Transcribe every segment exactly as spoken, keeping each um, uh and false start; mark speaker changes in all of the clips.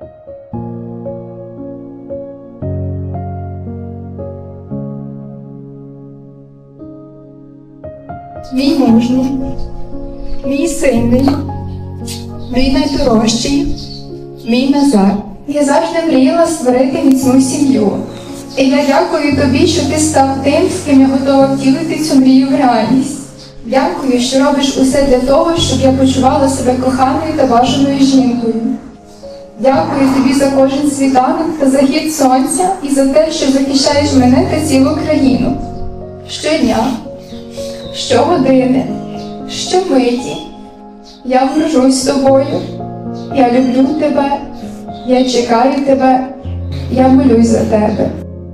Speaker 1: Мій мужній, мій сильний, мій найдорожчий, мій Назар. Я завжди мріяла створити міцну сім'ю. І я дякую тобі, що ти став тим, з ким я готова втілити цю мрію в реальність. Дякую, що робиш усе для того, щоб я почувала себе коханою та бажаною жінкою. Дякую тобі за кожен світанок та захід сонця і за те, що захищаєш мене та цілу країну. Щодня, щогодини, щомиті я горжусь тобою, я люблю тебе, я чекаю тебе, я молюсь за тебе.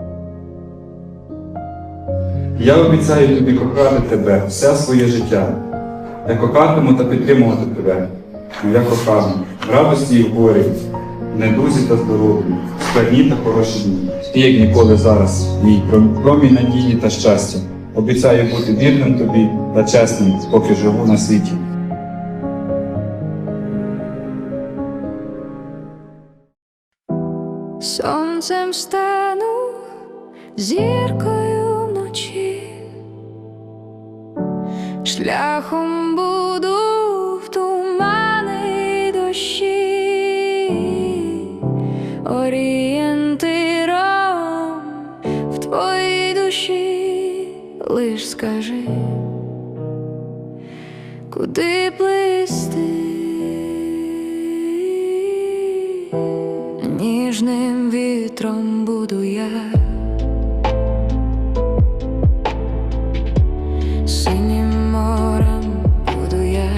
Speaker 2: Я обіцяю тобі кохати тебе все своє життя. Я кохатиму та підтримувати тебе, моя кохана, в радості і в горі, в недузі та здоров'ї, в складні та хороші дні. Ти, як ніколи зараз, мій промінь надії та щастя. Обіцяю бути вірним тобі та чесним, поки живу на світі.
Speaker 3: Сонцем стану, зіркою вночі, шляхом буду в тумани дощі, орієнтиром в твоїй душі. Лиш скажи, куди плисти. Ніжним вітром буду я, синім морем буду я.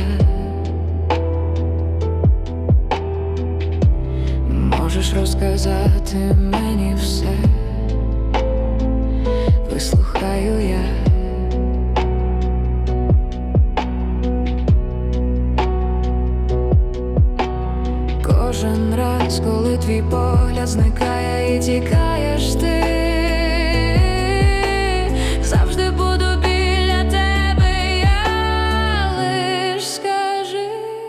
Speaker 3: Можеш розказати мені все, вислухаю я. Кожен раз, коли твій погляд зникає і тікаєш ти, завжди буду біля тебе, я лиш скажи.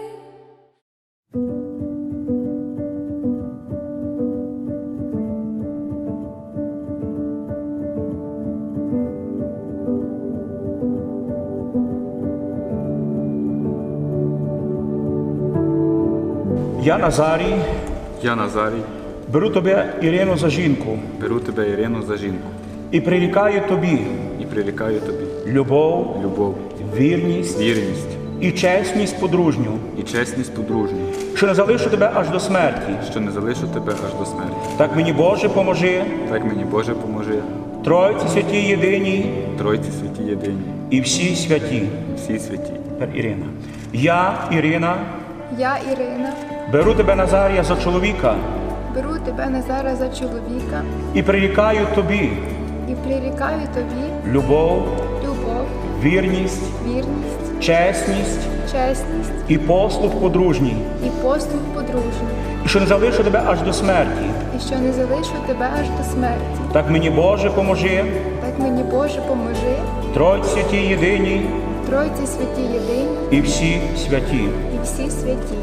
Speaker 4: Я Назарій,
Speaker 2: Я Назарій,
Speaker 4: беру тебе, Ірину, за жінку
Speaker 2: беру тебе, Ірину, за жінку
Speaker 4: і прирікаю тобі
Speaker 2: і прирікаю тобі
Speaker 4: любов,
Speaker 2: любов,
Speaker 4: вірність
Speaker 2: вірність
Speaker 4: і чесність подружню,
Speaker 2: і чесність подружню,
Speaker 4: що не залишу тебе аж до смерті.
Speaker 2: що не залишу тебе аж до смерті.
Speaker 4: Так мені, Боже, поможи,
Speaker 2: Так мені, Боже, поможи,
Speaker 4: Тройці святій єдиній
Speaker 2: Тройці святі єдині,
Speaker 4: і всі святі.
Speaker 2: всі святі.
Speaker 4: Тепер Ірина. Я, Ірина,
Speaker 1: Я, Ірина,
Speaker 4: беру тебе, Назарія, за чоловіка
Speaker 1: беру тебе, Назара, за чоловіка
Speaker 4: і прирікаю тобі
Speaker 1: і прирікаю тобі
Speaker 4: любов,
Speaker 1: любов,
Speaker 4: вірність,
Speaker 1: вірність,
Speaker 4: чесність
Speaker 1: чесність
Speaker 4: і послуг подружній,
Speaker 1: і послуг подружній,
Speaker 4: і що не залишу тебе аж до смерті.
Speaker 1: і що не залишу тебе аж до смерті.
Speaker 4: Так мені, Боже, поможи,
Speaker 1: Так мені, Боже, поможи,
Speaker 4: Тройці святі єдиній
Speaker 1: Тройці святі єдині
Speaker 4: і всі святі.
Speaker 1: і всі святі.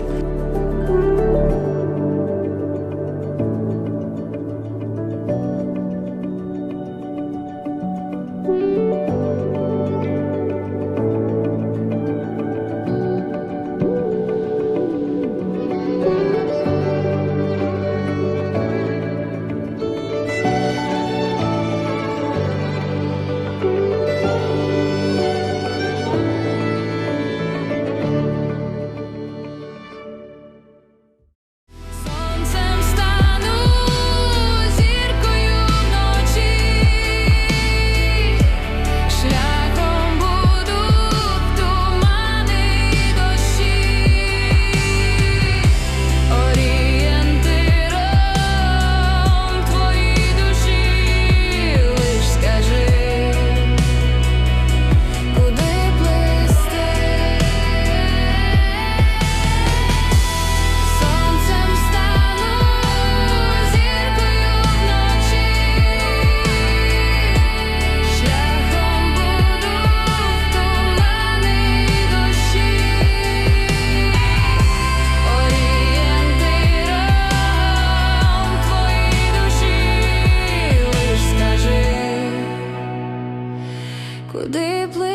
Speaker 3: куди плив.